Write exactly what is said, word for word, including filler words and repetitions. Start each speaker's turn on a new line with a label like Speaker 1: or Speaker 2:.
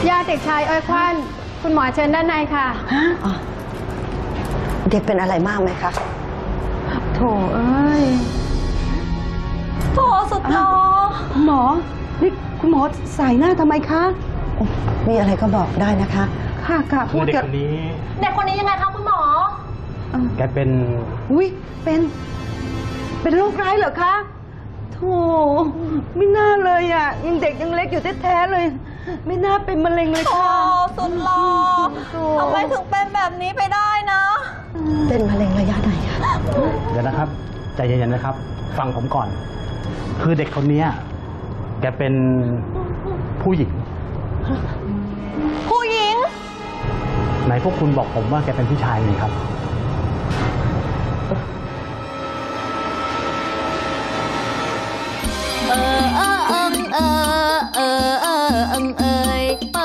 Speaker 1: ญาติเด็กชายอ้อยควันคุณหมอเชิญด้านในค่ะ
Speaker 2: ฮะเด็กเป็นอะไรมากไหมคะ
Speaker 1: โถเอ้ย
Speaker 3: โถสุดหล่อ
Speaker 2: คุณหมอ นี่คุณหมอสายหน้าทำไมคะ มีอะไรก็บอกได้นะคะ ค่ะค่ะ
Speaker 4: คื
Speaker 2: พู
Speaker 4: อ
Speaker 2: ด
Speaker 4: เด็ก
Speaker 2: กับ
Speaker 4: คนนี้
Speaker 3: เด็กคนนี้ยังไงคะคุณหมอ
Speaker 4: แกเป็น
Speaker 2: อุ้ยเป็น เป็นโรคร้ายเหรอคะโธ่ไม่น่าเลยอ่ะ ยังเด็กยังเล็กอยู่แท้ๆเลย ไม่น่าเป็นมะเร็งเลย
Speaker 3: โถ
Speaker 2: ค่ะ
Speaker 3: สุดหล่อทำไมถึงเป็นแบบนี้ไปได้นะ
Speaker 2: เป็นมะเร็งระยะไหนคะ
Speaker 4: เดี๋ยวนะครับใจเย็นๆนะครับ ฟังผมก่อน คือเด็กคนนี้แกเป็นผู้หญิง
Speaker 3: ผู้หญิง
Speaker 4: ไหนพวกคุณบอกผมว่าแกเป็นผู้ชายไงครับ
Speaker 5: เออเออเอิงเออเออเออเอิงเอย